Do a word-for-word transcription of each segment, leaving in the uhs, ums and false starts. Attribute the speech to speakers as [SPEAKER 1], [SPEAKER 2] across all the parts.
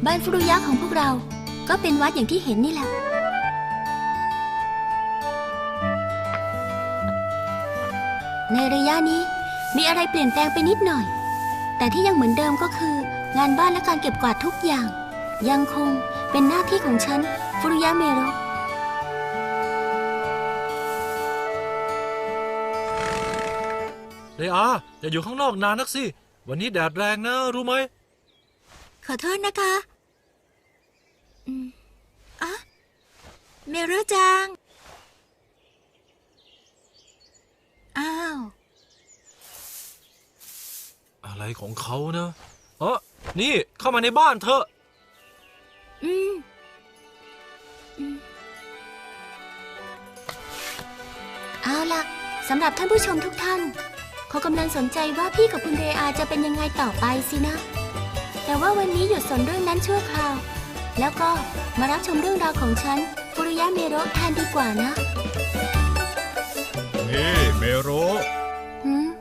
[SPEAKER 1] บ้านฟุรุยะของพวกเราก็เป็นวัดอย่างที่เห็นนี่แหละในระยะนี้มีอะไรเปลี่ยนแปลงไปนิดหน่อยแต่ที่ยังเหมือนเดิมก็คืองานบ้านและการเก็บกวาดทุกอย่างยังคงเป็นหน้าที่ของฉันฟุรุยะเมโร
[SPEAKER 2] เรอาอย่าอยู่ข้างนอกนานนักสิวันนี้แดดแรงนะรู้ไหม
[SPEAKER 1] ขอโทษนะคะอืมอ่ะเมโรจังอ้าว
[SPEAKER 2] อะไรของเขานะเออนี่เข้ามาในบ้านเถอะ
[SPEAKER 1] อืมอืมเอาล่ะสำหรับท่านผู้ชมทุกท่านเขากำลังสนใจว่าพี่กับคุณเรอาจะเป็นยังไงต่อไปสินะแต่ว่าวันนี้หยุดสนเรื่องนั้นชั่วคราวแล้วก็มารับชมเรื่องราวของฉันฟุรุยะเมโรแทนดีกว่านะ
[SPEAKER 3] นี่เมโร
[SPEAKER 1] หืม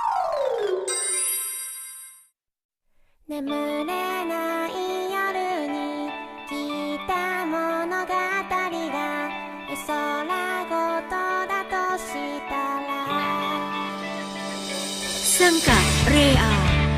[SPEAKER 4] 眠れない夜に聞いた物語が絵空ごとだとしたら
[SPEAKER 1] ซังกะเรอา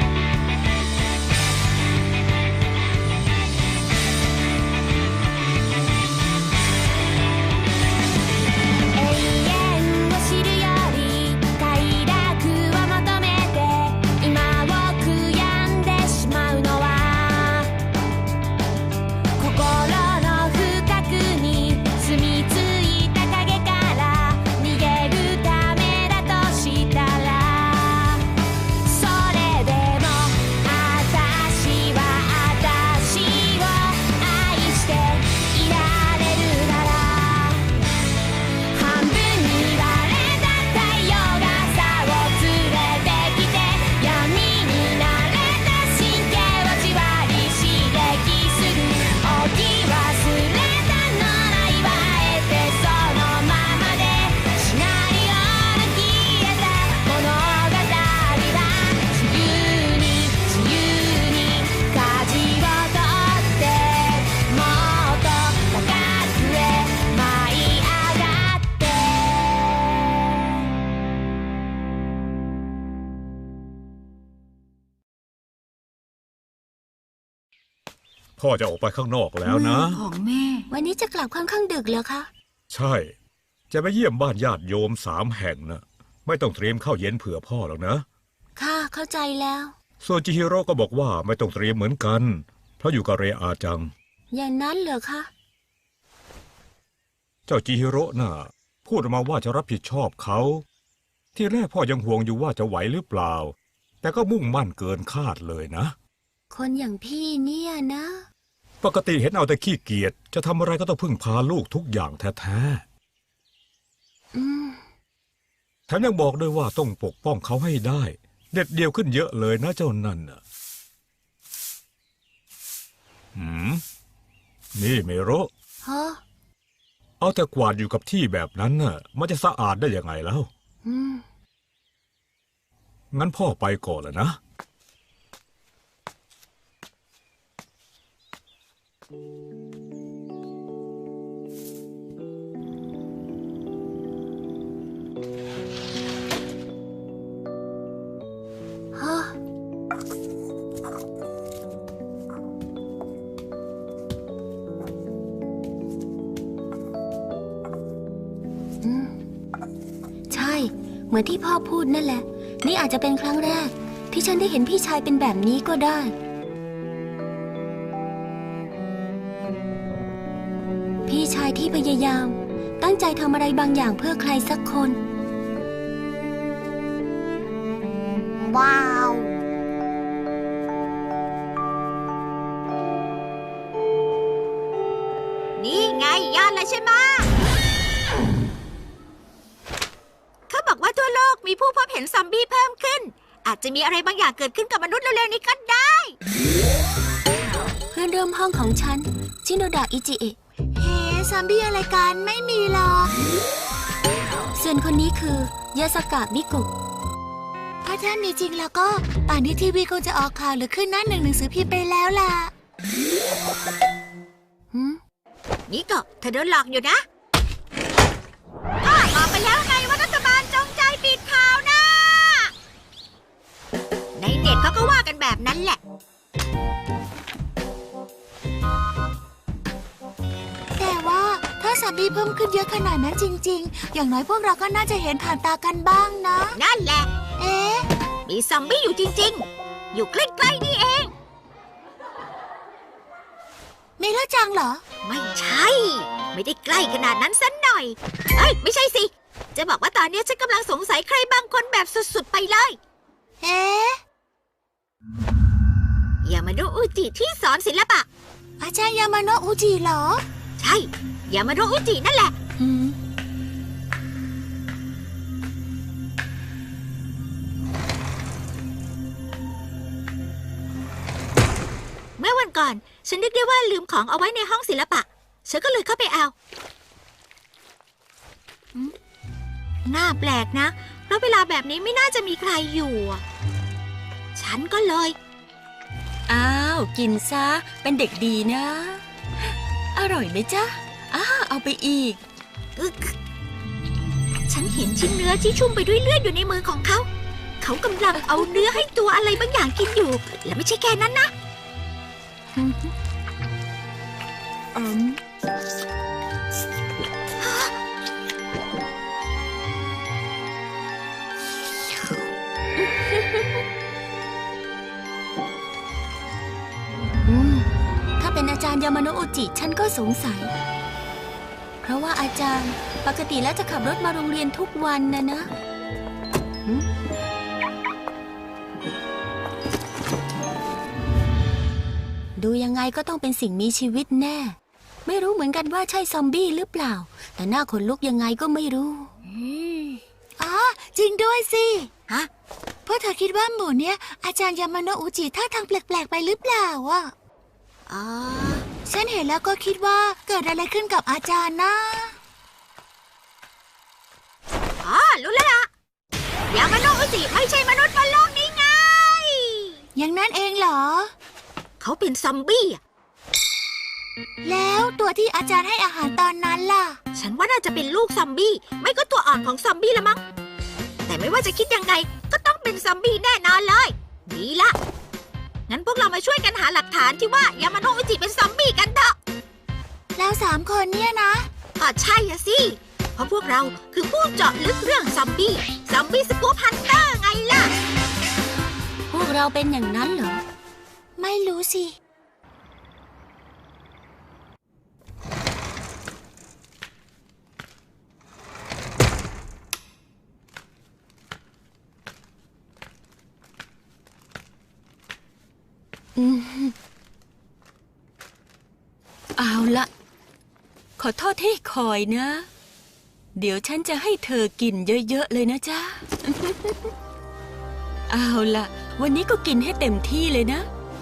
[SPEAKER 3] พ่อจะออกไปข้างนอกแล้วนะ
[SPEAKER 1] ของแม่วันนี้จะกลับค่อนข้างดึกแล้วคะ
[SPEAKER 3] ใช่จะไปเยี่ยมบ้านญาติโยมสามแห่งนะไม่ต้องเตรียมข้าวเย็นเผื่อพ่อหรอกนะ
[SPEAKER 1] ค่ะเข้าใจแล้ว
[SPEAKER 3] ส่วนจิฮิโร่ก็บอกว่าไม่ต้องเตรียมเหมือนกันเพราะอยู่กับเรอาจัง
[SPEAKER 1] อย่างนั้นเหรอคะ
[SPEAKER 3] เจ้าจิฮิโร่น่ะพูดมาว่าจะรับผิดชอบเขาที่แรกพ่อยังห่วงอยู่ว่าจะไหวหรือเปล่าแต่ก็มุ่งมั่นเกินคาดเลยนะ
[SPEAKER 1] คนอย่างพี่เนี่ยนะ
[SPEAKER 3] ปกติเห็นเอาแต่ขี้เกียจจะทำอะไรก็ต้องพึ่งพาลูกทุกอย่างแท้ๆแถมยังบอกด้วยว่าต้องปกป้องเขาให้ได้เด็ดเดี่ยวขึ้นเยอะเลยนะเจ้านั่นน่ะหืมนี่เมโร
[SPEAKER 1] ฮะ
[SPEAKER 3] เอาแต่กวาดอยู่กับที่แบบนั้นน่ะมันจะสะอาดได้ยังไงแล้ว
[SPEAKER 1] อืม
[SPEAKER 3] งั้นพ่อไปก่อนแล้วนะ
[SPEAKER 1] ฮะอืมใช่เหมือนที่พ่อพูดนั่นแหละนี่อาจจะเป็นครั้งแรกที่ฉันได้เห็นพี่ชายเป็นแบบนี้ก็ได้พี่ชายที่พยายามตั้งใจทำอะไรบางอย่างเพื่อใครสักคนว้าวนี่ไงยอดเลยใช่ไหมเขาบอกว่าทั่วโลกมีผู้พบเห็นซอมบี้เพิ่มขึ้นอาจจะมีอะไรบางอย่างเกิดขึ้นกับมนุษย์เร็วๆนี้ก็ได้เพื่อนร่วมห้องของฉันชิโนดะอิจิเอะเฮ้ซอมบี้อะไรกันไม่มีหรอกส่วนคนนี้คือยาสกะมิกุถ้าท่านมีจริงแล้วก็ป่านนี้ทีวีคงจะออกข่าวหรือขึ้นหน้าหนึ่งหนังสือพิมพ์ไปแล้วล่ะหืม
[SPEAKER 5] นี่ก็เธอโดนหลอกอยู่นะก็บอกไปแล้วไงว่ารัฐบาลจงใจปิดข่าวนะ ในเน็ตเขาก็ว่ากันแบบนั้นแหละ
[SPEAKER 1] แต่ว่าถ้าซอมบี้เพิ่มขึ้นเยอะขนาดนั้นจริงๆ อย่างน้อยพวกเราก็น่าจะเห็นผ่านตากันบ้างนะ
[SPEAKER 5] นั่นแหละ
[SPEAKER 1] เอ๊ะ
[SPEAKER 5] มีซอมบี้อยู่จริงๆ อยู่ใกล้ๆนี่เอง
[SPEAKER 1] มีแล้วจังเหรอ
[SPEAKER 5] ไม่ใช่ ไม่ได้ใกล้ขนาดนั้นสันหน่อย เอ้ย ไม่ใช่สิ จะบอกว่าตอนนี้ฉันกำลังสงสัยใครบางคนแบบสุดๆไปเลย
[SPEAKER 1] เอ๊ะ
[SPEAKER 5] อย่ามาดูอุจิที่สอนศิลปะ
[SPEAKER 1] อาจารย์ยามาโนะอุจิเหรอ
[SPEAKER 5] ใช่ อย่ามาดูอุจินั่นแหละ
[SPEAKER 1] หืม
[SPEAKER 5] เมื่อวันก่อน ฉันนึกได้ว่าลืมของเอาไว้ในห้องศิลปะ ฉันก็เลยเข้าไปเอาหืมน่าแปลกนะ เพราะเวลาแบบนี้ไม่น่าจะมีใครอยู่อะฉันก็เลย
[SPEAKER 6] อ้าว กินซะ เป็นเด็กดีนะ อร่อยไหมจ๊ะอ้าเอาไปอีก
[SPEAKER 5] อึกฉันเห็นชิ้นเนื้อที่ชุ่มไปด้วยเลือดอยู่ในมือของเขา เขากำลังเอาเนื้อให้ตัวอะไรบางอย่างกินอยู่ และไม่ใช่แค่นั้นนะ
[SPEAKER 6] อืม
[SPEAKER 1] อืม ถ้าเป็นอาจารย์ยามาโนะอุจิฉันก็สงสัย เพราะว่าอาจารย์ปกติแล้วจะขับรถมาโรงเรียนทุกวันนะนะหืมดูยังไงก็ต้องเป็นสิ่งมีชีวิตแน่ ไม่รู้เหมือนกันว่าใช่ซอมบี้หรือเปล่า แต่หน้าขนลุกยังไงก็ไม่รู้อ๋อจริงด้วยสิ
[SPEAKER 5] ฮะ
[SPEAKER 1] เพราะเธอคิดว่าหมู่เนี้ยอาจารย์ยามาโนะอุจิท่าทางแปลกๆไปหรือเปล่าอ่ะ
[SPEAKER 5] อ๋อ
[SPEAKER 1] ฉันเห็นแล้วก็คิดว่าเกิดอะไรขึ้นกับอาจารย์นะ
[SPEAKER 5] อ๋อ รู้แล้วล่ะยามาโนะอุจิไม่ใช่มนุษย์บนโลกนี้ไง
[SPEAKER 1] อย่างนั้นเองเหรอ
[SPEAKER 5] เขาเป็นซอมบี้อะ
[SPEAKER 1] แล้วตัวที่อาจารย์ให้อาหารตอนนั้นล่ะ
[SPEAKER 5] ฉันว่าน่าจะเป็นลูกซอมบี้ ไม่ก็ตัวอ่อนของซอมบี้ละมั้ง แต่ไม่ว่าจะคิดยังไง ก็ต้องเป็นซอมบี้แน่นอนเลย ดีละ งั้นพวกเรามาช่วยกันหาหลักฐานที่ว่ายามาโนะอุจิเป็นซอมบี้กันเถอะ
[SPEAKER 1] แล้วสามคนเนี่ยนะ
[SPEAKER 5] อ๋อใช่อะสิ เพราะพวกเราคือผู้เจาะลึกเรื่องซอมบี้ ซอมบี้สกู๊ปฮันเตอร์ไงล่ะ
[SPEAKER 1] พวกเราเป็นอย่างนั้นเหรอ ไม่รู้สิ
[SPEAKER 6] อืมเอาละ ขอโทษที่คอยนะ เดี๋ยวฉันจะให้เธอกินเยอะๆเลยนะจ๊ะ เอาละวันนี้ก็กินให้เต็มที่เลยนะ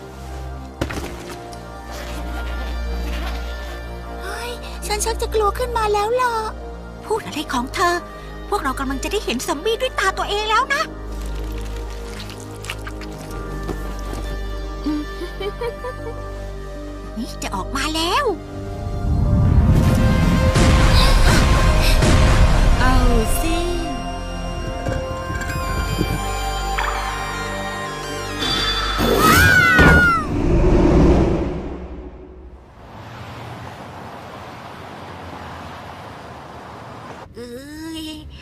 [SPEAKER 1] เฮ้ย ฉันชักจะกลัวขึ้นมาแล้วล่ะ
[SPEAKER 5] พูดอะไรของเธอ พวกเรากำลังจะได้เห็นซอมบี้ด้วยตาตัวเองแล้วนะ นี่จะออกมาแล้ว
[SPEAKER 6] เอาสิ
[SPEAKER 5] เอ้ย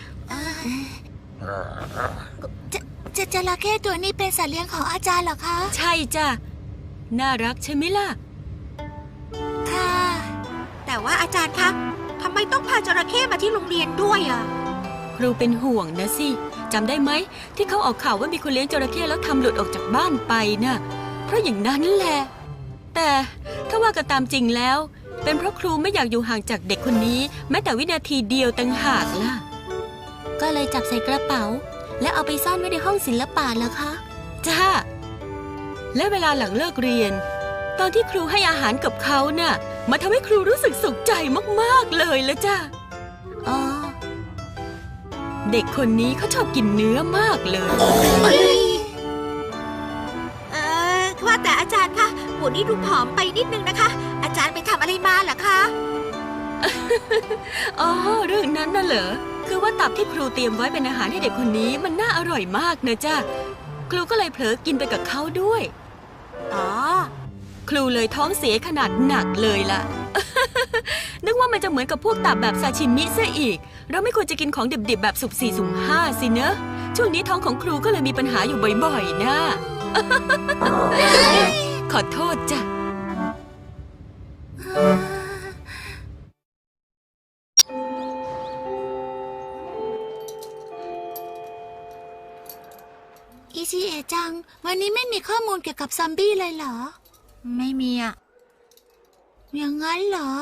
[SPEAKER 1] จะจะจระเข้ตัวนี้เป็นสัตว์เลี้ยงของอาจารย์เหรอคะ
[SPEAKER 6] ใช่จ้ะ น่ารักใช่ไหมล่ะ
[SPEAKER 1] ค่ะ
[SPEAKER 5] แต่ว่าอาจารย์คะทำไมต้องพาจระเข้มาที่โรงเรียนด้วยอ่ะ
[SPEAKER 6] ครูเป็นห่วงนะสิจำได้ไหมที่เขาออกข่าวว่ามีคนเลี้ยงจระเข้แล้วทำหลุดออกจากบ้านไปน่ะ เพราะอย่างนั้นแหละ แต่ถ้าว่ากันตามจริงแล้ว เป็นเพราะครูไม่อยากอยู่ห่างจากเด็กคนนี้ แม้แต่วินาทีเดียวต่างหากล่ะ
[SPEAKER 1] ก็เลยจับใส่กระเป๋า แล้วเอาไปซ่อนไว้ในห้องศิลปะเหรอคะ
[SPEAKER 6] จ้า และเวลาหลังเลิกเรียน ตอนที่ครูให้อาหารกับเขาน่ะมาทำให้ครูรู้สึกสุขใจมากๆเลยละจ้า
[SPEAKER 1] อ๋อ
[SPEAKER 6] เด็กคนนี้เขาชอบกินเนื้อมากเลย
[SPEAKER 5] เออว่าแต่อาจารย์คะหับุนี่ดูผอมไปนิดนึงนะคะ อาจารย์ไปทำอะไรมาเหรอคะ
[SPEAKER 6] อ๋อ เรื่องนั้นน่ะเหรอ คือว่าตับที่ครูเตรียมไว้เป็นอาหารให้เด็กคนนี้มันน่าอร่อยมากนะจ้ะครูก็เลยเผลอกินไปกับเขาด้วย
[SPEAKER 5] อ๋อ
[SPEAKER 6] ครูเลยท้องเสียขนาดหนักเลยล่ะ นึกว่ามันจะเหมือนกับพวกตับแบบซาชิมิซะอีก เราไม่ควรจะกินของดิบๆแบบสุกสี่สุ่มห้าสิเนอะ ช่วงนี้ท้องของครูก็เลยมีปัญหาอยู่บ่อยๆนะ ขอโทษจ้ะ
[SPEAKER 1] อิชิเอะจัง วันนี้ไม่มีข้อมูลเกี่ยวกับซอมบี้เลยเหรอ
[SPEAKER 5] ไม่มีอ่ะ
[SPEAKER 1] อย่างนั้นเหรอ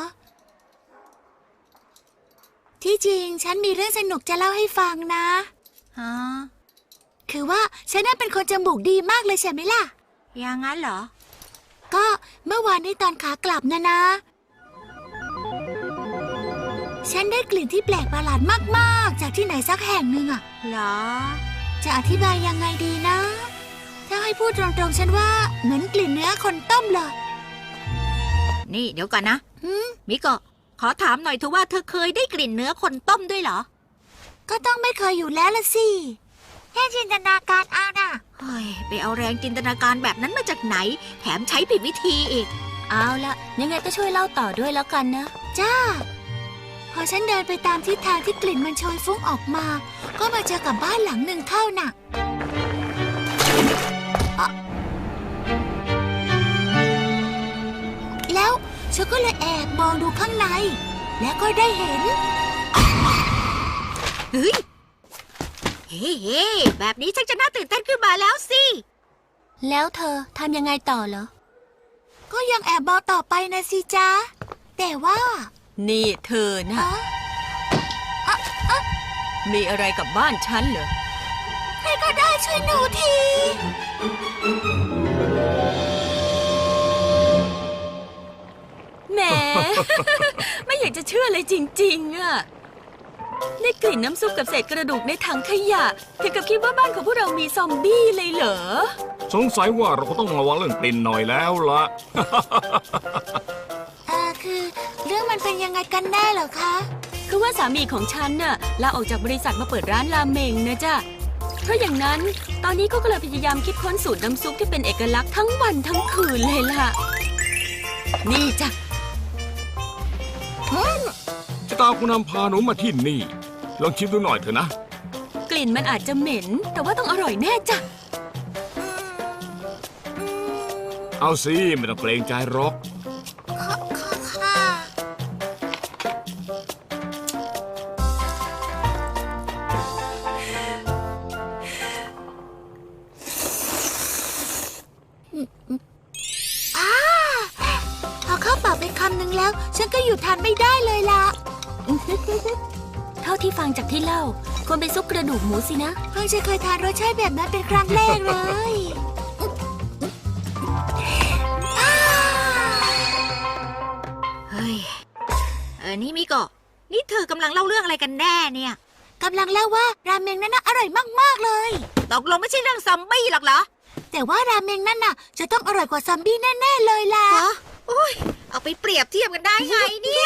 [SPEAKER 1] ที่จริงฉันมีเรื่องสนุกจะเล่าให้ฟังนะ
[SPEAKER 5] ฮะ
[SPEAKER 1] คือว่าฉันน่ะเป็นคนจมูกดีมากเลยใช่ไหมล่ะ
[SPEAKER 5] อย่างนั้นเหรอ
[SPEAKER 1] ก็เมื่อวานนี้ตอนขากลับนะนะ ฉันได้กลิ่นที่แปลกประหลาดมากๆ จากที่ไหนสักแห่งหนึ่งอะ
[SPEAKER 5] เหรอ
[SPEAKER 1] จะอธิบายยังไงดีนะ ถ้าให้พูดตรงๆฉันว่าเหมือนกลิ่นเนื้อคนต้มเลย
[SPEAKER 5] นี่เดี๋ยวก่อนนะ
[SPEAKER 1] หืม
[SPEAKER 5] มิโกะขอถามหน่อยเถอะว่าเธอเคยได้กลิ่นเนื้อคนต้มด้วยเหรอ
[SPEAKER 1] ก็ต้องไม่เคยอยู่แล้วละสิแค่จินตนาการเอาน่ะ
[SPEAKER 5] เฮ้ย ไปเอาแรงจินตนาการแบบนั้นมาจากไหน แถมใช้ผิดวิธีอีก
[SPEAKER 1] เอาละยังไงก็ช่วยเล่าต่อด้วยแล้วกันนะ จ้า พอฉันเดินไปตามทิศทางที่กลิ่นมันโชยฟุ้งออกมา ก็มาเจอกับบ้านหลังหนึ่งเข้าน่ะอ๊ะแล้วฉันก็เลยแอบมองดูข้างใน และก็ได้เห็น
[SPEAKER 5] เฮ้ย เฮ้เฮ้แบบนี้ชักจะน่าตื่นเต้นขึ้นมาแล้วสิ
[SPEAKER 1] แล้วเธอทำยังไงต่อเหรอ ก็ยังแอบมองต่อไปนะสิจ๊ะ แต่ว่า
[SPEAKER 6] นี่เธอนะ
[SPEAKER 1] อ๊ะ
[SPEAKER 6] มีอะไรกับบ้านฉันเหรอ
[SPEAKER 1] ใครก็ได้ช่วยหนูที
[SPEAKER 6] แหม ไม่อยากจะเชื่อเลยจริงๆอะได้กลิ่นน้ำซุปกับเศษกระดูกในถังขยะถึงกับคิดว่าบ้านของพวกเรามีซอมบี้เลยเหรอ
[SPEAKER 3] สงสัยว่าเราก็ต้องระวังเรื่องกลิ่นหน่อยแล้วละ
[SPEAKER 1] เอ่อคือเรื่องมันเป็นยังไงกันแน่เหรอคะ
[SPEAKER 6] คือว่าสามีของฉันน่ะลาออกจากบริษัทมาเปิดร้านราเมงนะจ๊ะ เพราะอย่างนั้นตอนนี้เขาก็เลยพยายามคิดค้นสูตรน้ำซุปที่เป็นเอกลักษณ์ทั้งวันทั้งคืนเลยล่ะ นี่จ้ะ
[SPEAKER 3] จะตามคุณนำพาหนูมาที่นี่ ลองชิมดูหน่อยเถอะนะ
[SPEAKER 6] กลิ่นมันอาจจะเหม็น แต่ว่าต้องอร่อยแน่จ้ะ
[SPEAKER 3] เอาสิไม่ต้องเกรงใจหรอก
[SPEAKER 1] ค่ะ อ้าพอเข้าปากไปคำหนึ่งแล้ว ฉันก็อยู่ทานไม่ได้เลยล่ะ
[SPEAKER 6] เท่าที่ฟังจากที่เล่าควรเป็นซุปกระดูกหมูสินะ
[SPEAKER 1] เพิ่งจะเคยทานรสชาติแบบนั้นเป็นครั้งแรกเลยอ้า
[SPEAKER 5] เฮ้ย เออ นี่มิโกะนี่เธอกำลังเล่าเรื่องอะไรกันแน่เนี่ย
[SPEAKER 1] กำลังเล่าว่าราเมงนั้นน่ะอร่อยมากๆเลย
[SPEAKER 5] ตกลงไม่ใช่เรื่องซอมบี้หรอกเหรอ
[SPEAKER 1] แต่ว่าราเมงนั่นน่ะจะต้องอร่อยกว่าซอมบี้แน่ๆเลยล่ะ
[SPEAKER 5] ฮะโอ้ย เอาไปเปรียบเทียบกันได้ไงเนี่ย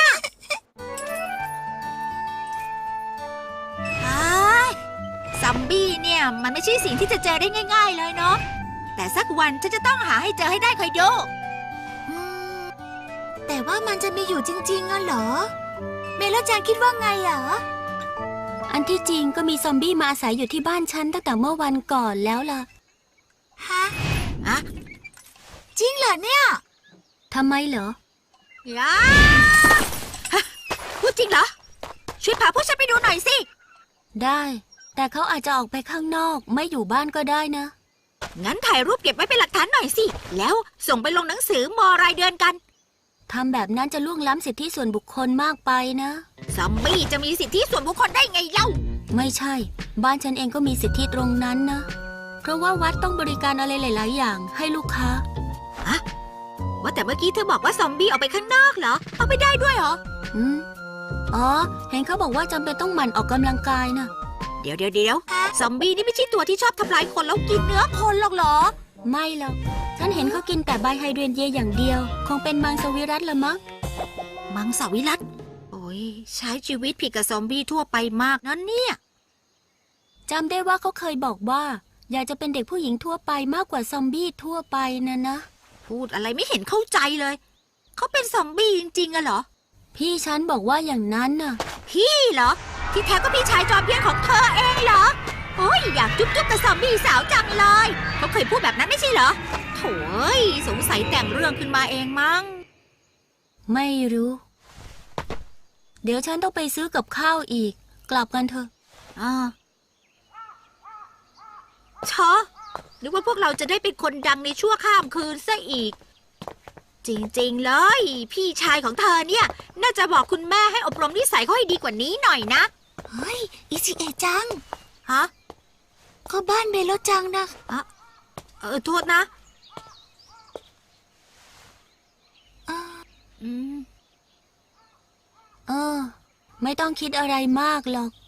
[SPEAKER 5] ไอ้ซอมบี้เนี่ยมันไม่ใช่สิ่งที่จะเจอได้ง่ายๆเลยเนาะ แต่สักวันฉันจะต้องหาให้เจอให้ได้คอยดู
[SPEAKER 1] อืมแต่ว่ามันจะมีอยู่จริงๆอ่ะเหรอ เมลจังคิดว่าไงอ่ะ
[SPEAKER 6] อันที่จริงก็มีซอมบี้มาอาศัยอยู่ที่บ้านฉันตั้งแต่เมื่อวันก่อนแล้วล่ะ
[SPEAKER 1] ฮะ
[SPEAKER 5] ฮะ
[SPEAKER 1] จริงเหรอเนี่ย
[SPEAKER 6] ทำไมเหรอ
[SPEAKER 5] ยาฮะพูดจริงเหรอ ช่วยพาพวกฉันไปดูหน่อยสิ
[SPEAKER 6] ได้ แต่เขาอาจจะออกไปข้างนอกไม่อยู่บ้านก็ได้นะ
[SPEAKER 5] งั้นถ่ายรูปเก็บไว้เป็นหลักฐานหน่อยสิ แล้วส่งไปลงหนังสือมอรายเดือนกัน
[SPEAKER 6] ทำแบบนั้นจะล่วงล้ำสิทธิส่วนบุคคลมากไปนะ
[SPEAKER 5] ซอมบี้จะมีสิทธิส่วนบุคคลได้ไงเล่า
[SPEAKER 6] ไม่ใช่ บ้านฉันเองก็มีสิทธิตรงนั้นนะ เพราะว่าวัดต้องบริการอะไรหลาย ๆ อย่างให้ลูกค้า
[SPEAKER 5] ว่าแต่เมื่อกี้เธอบอกว่าซอมบี้ออกไปข้างนอกเหรอ เอาไปได้ด้วยเหรอ
[SPEAKER 6] อืมอ๋อ เห็นเขาบอกว่าจำเป็นต้องหมั่นออกกำลังกายนะ
[SPEAKER 5] เดี๋ยวเดี๋ยวเดี๋ยวซอมบี้นี่ไม่ใช่ตัวที่ชอบทำลายคนแล้วกินเนื้อคนหรอกเหรอ
[SPEAKER 6] ไม่หรอกฉันเห็นเขากินแต่ใบไฮเดรนเยอย่างเดียว คงเป็นมังสวิรัติละมั้ง
[SPEAKER 5] มังสวิรัติโอ้ยใช้ชีวิตผิดกับซอมบี้ทั่วไปมากนะเนี่ย
[SPEAKER 6] จำได้ว่าเขาเคยบอกว่า อยากจะเป็นเด็กผู้หญิงทั่วไปมากกว่าซอมบี้ทั่วไปนะนะ
[SPEAKER 5] พูดอะไรไม่เห็นเข้าใจเลย เขาเป็นซอมบี้จริงๆอะเหรอ
[SPEAKER 6] พี่ฉันบอกว่าอย่างนั้นน่ะ
[SPEAKER 5] พี่เหรอ ที่แท้ก็พี่ชายจอมเพี้ยนของเธอเองเหรอโอ้ยอยากจุ๊บจุ๊บกับซอมบี้สาวจังเลยเขาเคยพูดแบบนั้นไม่ใช่เหรอโถ่เอ้ยสงสัยแต่งเรื่องขึ้นมาเองมั้ง
[SPEAKER 6] ไม่รู้ เดี๋ยวฉันต้องไปซื้อกับข้าวอีก กลับกันเถอะ
[SPEAKER 5] อ่าชอนึกว่าพวกเราจะได้เป็นคนดังในชั่วข้ามคืนซะอีก จริงๆเลย พี่ชายของเธอเนี่ย น่าจะบอกคุณแม่ให้อบรมนิสัยเขาให้ดีกว่านี้หน่อยนะ
[SPEAKER 1] เฮ้ย อิจิเอะจัง
[SPEAKER 5] ฮะ
[SPEAKER 1] ก็บ้านเมโลจังนะ
[SPEAKER 5] อะเออโทษนะ อืม
[SPEAKER 6] เออ ไม่ต้องคิดอะไรมากหรอก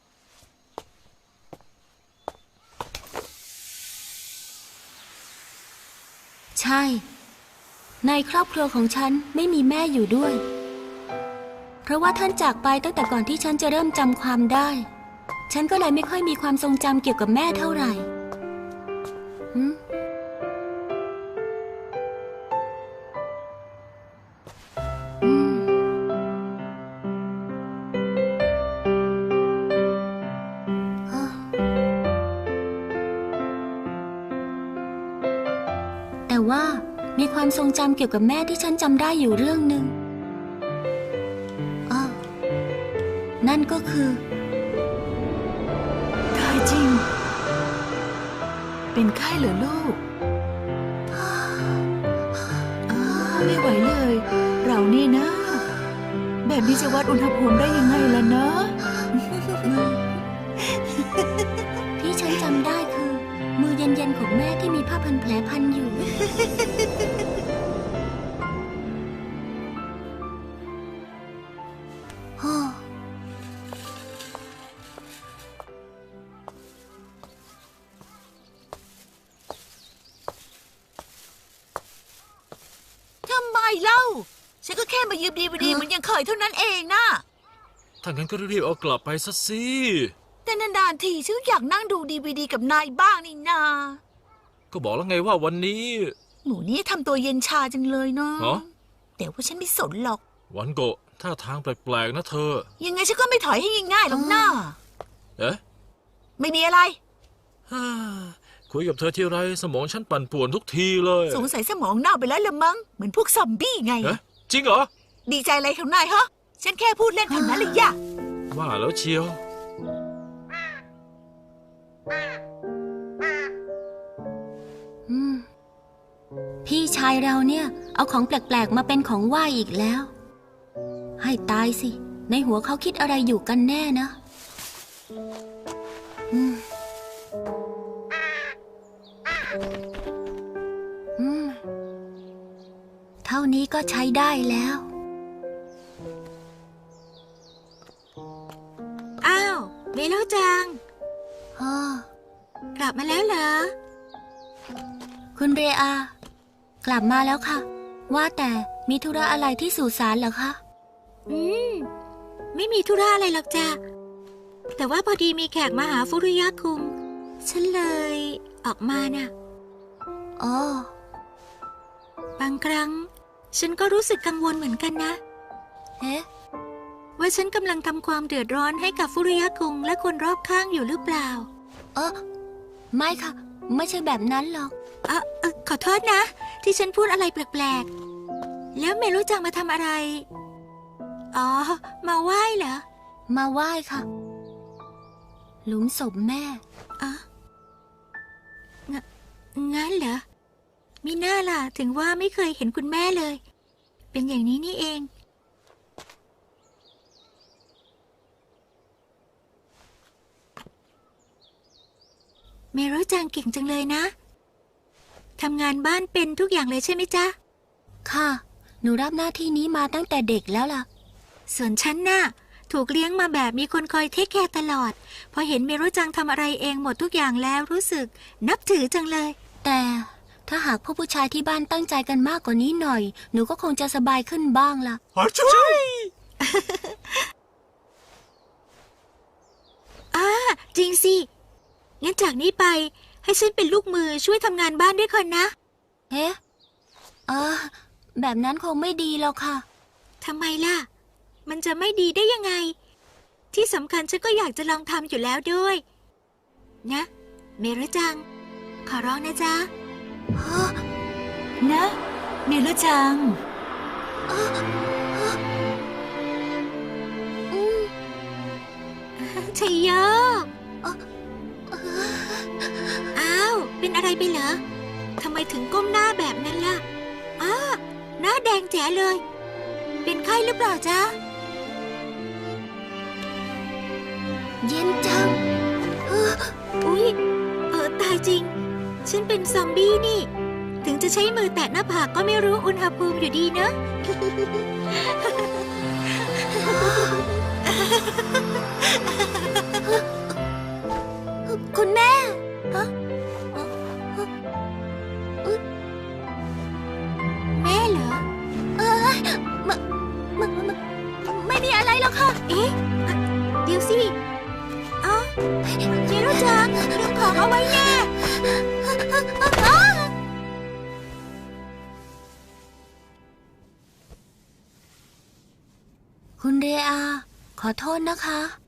[SPEAKER 6] ใช่ ในครอบครัวของฉันไม่มีแม่อยู่ด้วย เพราะว่าท่านจากไปตั้งแต่ก่อนที่ฉันจะเริ่มจำความได้ ฉันก็เลยไม่ค่อยมีความทรงจำเกี่ยวกับแม่เท่าไหร่หืมอืมอ่ะแต่ว่ามีความทรงจำเกี่ยวกับแม่ที่ฉันจำได้อยู่เรื่องหนึ่งอ้อนั่นก็คือ
[SPEAKER 7] ตายจริง เป็นไข้เหรอลูกอ้าวไม่ไหวเลย เรานี่นะ แบบนี้จะวัดอุณหภูมิได้ยังไงล่ะเนอะ
[SPEAKER 6] ที่ฉันจำได้คือ มือเย็นๆของแม่ที่มีผ้าพันแผลพันอยู่ ฮ่อ
[SPEAKER 7] ทำไมเล่า ฉันก็แค่มายืมดีวดีเหมือนยังเคยเท่านั้นเองนะ
[SPEAKER 2] ถ้างั้นก็รีบเอากลับไปซะสิ
[SPEAKER 7] แต่นานๆทีฉันอยากนั่งดูดีวดีกับนายบ้างนี่นา
[SPEAKER 2] ก็บอกแล้วไงว่าวันนี้
[SPEAKER 7] หนูนี่ทำตัวเย็นชาจังเลยเนาะ
[SPEAKER 2] เหรอ
[SPEAKER 7] แต่ว่าฉันไม่สนหรอก
[SPEAKER 2] วันโกะท่าทางแปลกๆนะเธอ
[SPEAKER 7] ยังไงฉันก็ไม่ถอยให้ง่ายๆหรอกนะ
[SPEAKER 2] เอ๊ะ
[SPEAKER 7] ไม่มีอะไร
[SPEAKER 2] ฮ่าคุยกับเธอทีไรสมองฉันปั่นป่วนทุกทีเลย
[SPEAKER 7] สงสัยสมองเน่าไปแล้วละมั้ง เหมือนพวกซอมบี้ไง
[SPEAKER 2] เอ๊ะจริงเหรอ
[SPEAKER 7] ดีใจอะไรของนายฮะ ฉันแค่พูดเล่นเท่านั้นเลยย่ะ
[SPEAKER 2] ว่าแล้วเชียว
[SPEAKER 6] อืม พี่ชายเราเนี่ย เอาของแปลกๆมาเป็นของไหว้อีกแล้ว ให้ตายสิ ในหัวเขาคิดอะไรอยู่กันแน่นะ อืม อืม เท่านี้ก็ใช้ได้แล้ว
[SPEAKER 5] อ้าวเมโลจัง
[SPEAKER 6] อ๋อ
[SPEAKER 5] กลับมาแล้วเหรอ
[SPEAKER 6] คุณเรอา กลับมาแล้วค่ะ ว่าแต่มีธุระอะไรที่สุสานเหรอคะ
[SPEAKER 5] อืม ไม่มีธุระอะไรหรอกจ้ะ แต่ว่าพอดีมีแขกมาหาฟุรุยะคุง ฉันเลยออกมาน่ะ
[SPEAKER 6] อ๋อ
[SPEAKER 5] บางครั้ง ฉันก็รู้สึกกังวลเหมือนกันนะ
[SPEAKER 6] เอ๊ะ
[SPEAKER 5] ว่าฉันกำลังทำความเดือดร้อนให้กับฟุรุยะคุงและคนรอบข้างอยู่หรือเปล่า
[SPEAKER 6] เออไม่ค่ะ ไม่ใช่แบบนั้นหรอก
[SPEAKER 5] เออเออขอโทษนะ ที่ฉันพูดอะไรแปลกๆ แล้วเมรู้จังมาทำอะไร อ๋อ มาไหว้เหรอ
[SPEAKER 6] มาไหว้ค่ะ หลุมศพแม่
[SPEAKER 5] อ๋อ งงั้นเหรอมีหน้าล่ะ ถึงว่าไม่เคยเห็นคุณแม่เลย เป็นอย่างนี้นี่เอง เมรู้จังเก่งจังเลยนะ ทำงานบ้านเป็นทุกอย่างเลยใช่ไหมจ๊ะ
[SPEAKER 6] ค่ะ หนูรับหน้าที่นี้มาตั้งแต่เด็กแล้วล่ะ
[SPEAKER 5] ส่วนฉันน่ะ ถูกเลี้ยงมาแบบมีคนคอยเทคแคร์ตลอด พอเห็นเมรู้จังทำอะไรเองหมดทุกอย่างแล้วรู้สึก นับถือจังเลย
[SPEAKER 6] แต่ถ้าหากพวกผู้ชายที่บ้านตั้งใจกันมากกว่านี้หน่อย หนูก็คงจะสบายขึ้นบ้างล่ะ
[SPEAKER 3] อาช่วย
[SPEAKER 5] อ่าจริงสิ งั้นจากนี้ไปให้ฉันเป็นลูกมือช่วยทำงานบ้านด้วยคนนะ
[SPEAKER 6] เอ๊ะเออแบบนั้นคงไม่ดีแล้วค่ะ
[SPEAKER 5] ทำไมล่ะ มันจะไม่ดีได้ยังไง ที่สำคัญฉันก็อยากจะลองทำอยู่แล้วด้วย นะ เมรุจัง ขอร้องนะจ๊ะ
[SPEAKER 7] นะเมรุจัง
[SPEAKER 5] ชัยโยอ้าว เป็นอะไรไปเหรอ ทำไมถึงก้มหน้าแบบนั้นล่ะอ้าหน้าแดงแจ๋เลย เป็นไข้หรือเปล่าจ๊ะ
[SPEAKER 6] เย็นจัง
[SPEAKER 5] อุ๊ย เออตายจริง ฉันเป็นซอมบี้นี่ ถึงจะใช้มือแตะหน้าผากก็ไม่รู้อุณหภูมิอยู่ดีนะ
[SPEAKER 6] คุณแม่ฮะ
[SPEAKER 5] แม่เหรอ
[SPEAKER 6] เออมมมไม่มีอะไรหรอกค่ะ
[SPEAKER 5] เอ๊ะอ่ะเดี๋ยวสิเอ้าเจรุจังลืมของเอาไว้แน่
[SPEAKER 6] คุณเรอา ขอโทษนะคะ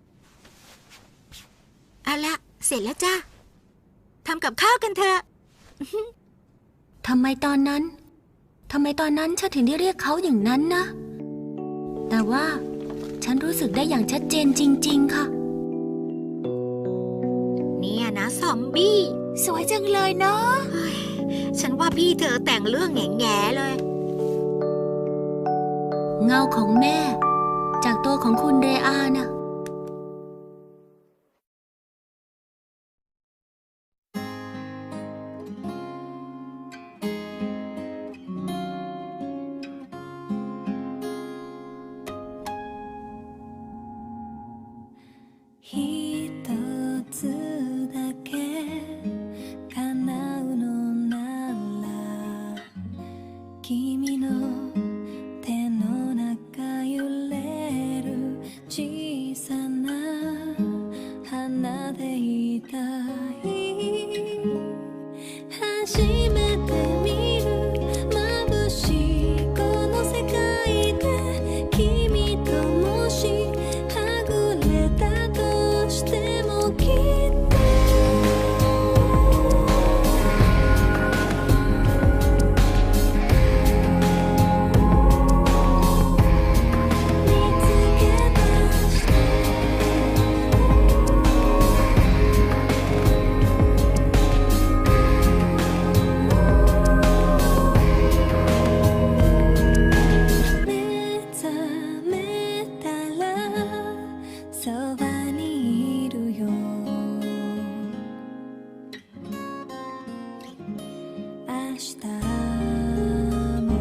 [SPEAKER 5] เอาละเสร็จแล้วจ้าทำกับข้าวกันเถอะ
[SPEAKER 6] ทำไมตอนนั้น ทำไมตอนนั้นฉันถึงได้เรียกเขาอย่างนั้นนะ แต่ว่าฉันรู้สึกได้อย่างชัดเจนจริงๆค่ะ
[SPEAKER 5] เนี่ยนะซอมบี้
[SPEAKER 7] สวยจังเลยเนาะ
[SPEAKER 5] เฮ้ยฉันว่าพี่เธอแต่งเรื่องแง่ๆเลย
[SPEAKER 6] เงาของแม่ จากตัวของคุณเรอาน่ะ
[SPEAKER 4] ひとつだけ叶うのなら君の手の中揺れる小さな花でいたい初めて見る眩しいこの世界で君ともしはぐれたとしてもきっと見つけ出して目覚めたらそばにいるよ明日も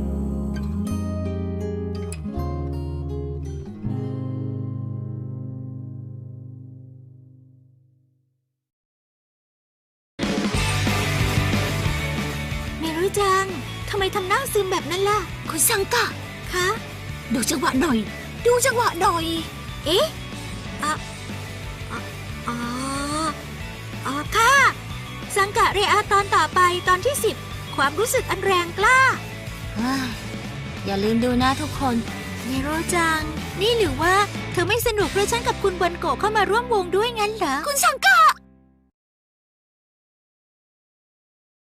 [SPEAKER 5] เมรุจัง ทำไมทำหน้าซึมแบบนั้นล่ะ
[SPEAKER 7] คุณซังกะ
[SPEAKER 5] คะ
[SPEAKER 7] ดูจังหวะหน่อย ดูจังหวะหน่อย
[SPEAKER 5] เอ๊ะอ่ะอ่ะอ๋ออ๋อค่ะ สังกะเรอาตอนต่อไปตอนที่สิบ ความรู้สึกอันแรงกล้า
[SPEAKER 6] เฮ้ย อย่าลืมดูนะทุกคน
[SPEAKER 5] เมโรจัง นี่หรือว่าเธอไม่สนุกเพราะฉันกับคุณบนโกะเข้ามาร่วมวงด้วยงั้นเหรอ
[SPEAKER 7] คุณซังกะ